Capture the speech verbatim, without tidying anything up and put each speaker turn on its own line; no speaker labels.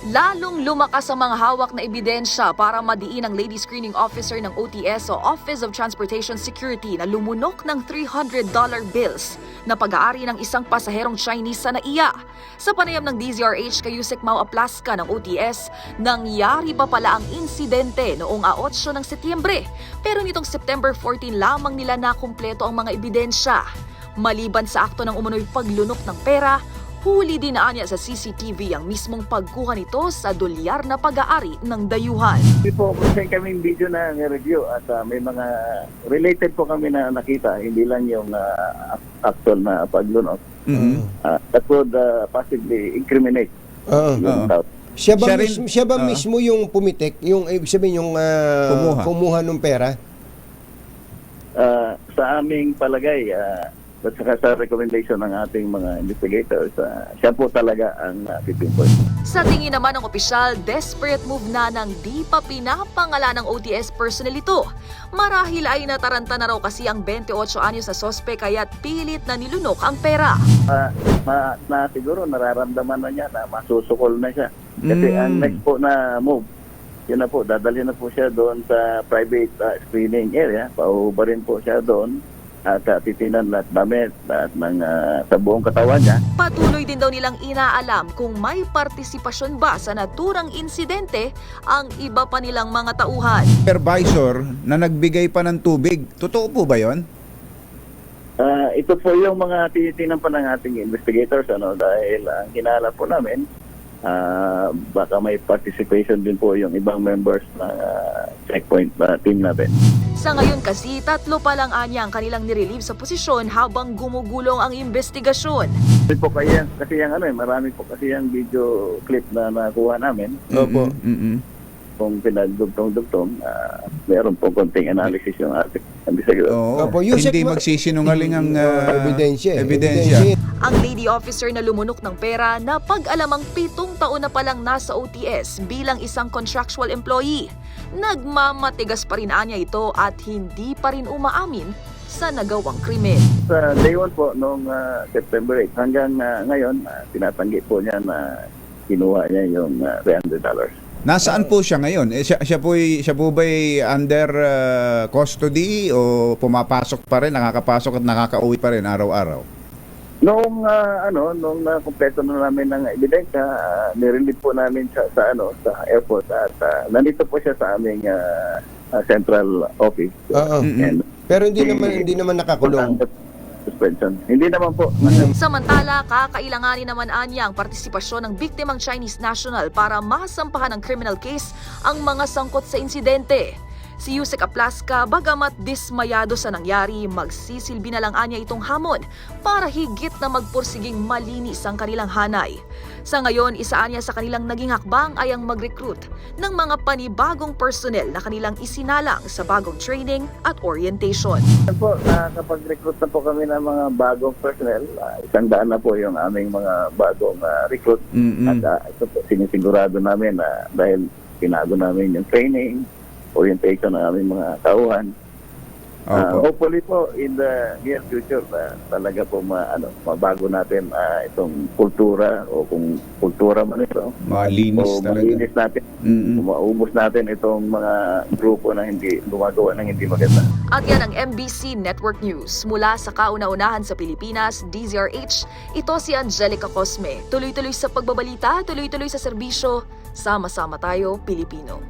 Lalong lumakas ang mga hawak na ebidensya para madiin ang lady screening officer ng O T S o Office of Transportation Security na lumunok ng three hundred dollar bills na pag-aari ng isang pasaherong Chinese sa N A I A. Sa panayam ng D Z R H kay Yusek Mau Aplaska ng O T S, nangyari pa pala ang insidente noong eight ng Setyembre. Pero nitong September fourteen lamang nila nakumpleto ang mga ebidensya. Maliban sa akto ng umunoy paglunok ng pera, huli din na niya sa C C T V ang mismong pagkuha nito sa dolyar na pag-aari ng dayuhan.
Hindi po, kasi kaming video na review at uh, may mga related po kami na nakita, hindi lang yung uh, actual na paglunok.
Mm-hmm.
Uh, that would uh, possibly incriminate
Oo.
yung
Oo.
doubt.
Siya ba,
Siya rin-
mismo, siya ba
Oo.
mismo yung pumitik, yung ibig sabihin yung ah,
Kumuha.
kumuha ng pera?
Uh, sa aming palagay, uh, at saka sa recommendation ng ating mga investigators, uh, siya po talaga ang uh, pipinpoint.
Sa tingin naman ng opisyal, desperate move na ng di pa pinapangalan ng O T S personnel ito. Marahil ay nataranta na raw kasi ang twenty-eight anyos na sospek kaya't pilit na nilunok ang pera.
Uh, ma, na siguro nararamdaman na niya na masusukol na siya. Kasi
Mm.
ang next po na move, yun na po, dadalhin na po siya doon sa private uh, screening area. Pauba rin po siya doon at uh, titinan lahat damit at ng, uh, sa buong katawan niya.
Patuloy din daw nilang inaalam kung may partisipasyon ba sa naturang insidente ang iba pa nilang mga tauhan.
Supervisor na nagbigay pa ng tubig. Totoo po ba yon?
Uh, ito po yung mga titinan pa ng ating investigators, ano, dahil ang hinala po namin, uh, baka may participation din po yung ibang members ng uh, checkpoint uh, team natin.
Sa ngayon kasi, tatlo pa lang anya ang kanilang nirelieve sa posisyon habang gumugulong ang investigasyon.
Kasi po kaya, kasi yung ano eh, marami po kasi yung video clip na nakuha namin.
Opo.
Mm-mm.
Kung pinagdugtong-dugtong, uh, meron po konting analysis yung ating investigator.
Oo.
Opo, Yusek,
Hindi
ma-
magsisinungaling ang ah,
ebidensya. eh.
ebidensya.
Ang lady officer na lumunok ng pera na pag-alamang pitong taon na palang nasa O T S bilang isang contractual employee. Nagmamatigas pa rin anya ito at hindi pa rin umaamin sa nagawang krimen.
Sa day one po, noong uh, September eighth, hanggang uh, ngayon, uh, tinatanggi po niya na kinuha niya yung uh, three hundred dollars.
Nasaan po siya ngayon? Eh, siya, siya po siya po ba'y under ah, custody o pumapasok pa rin, nakakapasok at nakakauwi pa rin araw-araw?
Noong uh, ano, nung uh, kumpleto na namin ng ebidensya, uh, nirelieve po namin sa, sa ano, sa airport at uh, nandito po siya sa aming uh, uh, central office.
Oo.
And,
Pero hindi naman hindi naman nakakulong.
suspension. Hindi naman po.
Samantala, kakailanganin naman anya ang partisipasyon ng biktimang Chinese national para masampahan ng criminal case ang mga sangkot sa insidente. Si Yusek Aplaska, bagamat dismayado sa nangyari, magsisilbi na lang anya itong hamon para higit na magpursiging malinis ang kanilang hanay. Sa ngayon, isa anya sa kanilang naging hakbang ay ang mag-recruit ng mga panibagong personnel na kanilang isinalang sa bagong training at orientation.
Yan po, nakakapag-recruit na po kami ng mga bagong personnel. Uh, isang daan na po yung aming mga bagong uh, recruit.
Mm-mm.
At uh, ito po, sinisigurado namin na dahil pinago namin yung training, orientation ng aming mga tauhan. Uh,
Opo.
hopefully po in the near future uh, talaga po ma, ano, mabago natin uh, itong kultura o kung kultura man ito.
Malinis
o
talaga.
malinis natin.
Mm-mm.
Maubos natin itong mga grupo na hindi gumagawa ng hindi maganda.
At yan ang M B C Network News. Mula sa kauna-unahan sa Pilipinas, D Z R H, ito si Angelica Cosme. Tuloy-tuloy sa pagbabalita, tuloy-tuloy sa serbisyo. Sama-sama tayo, Pilipino.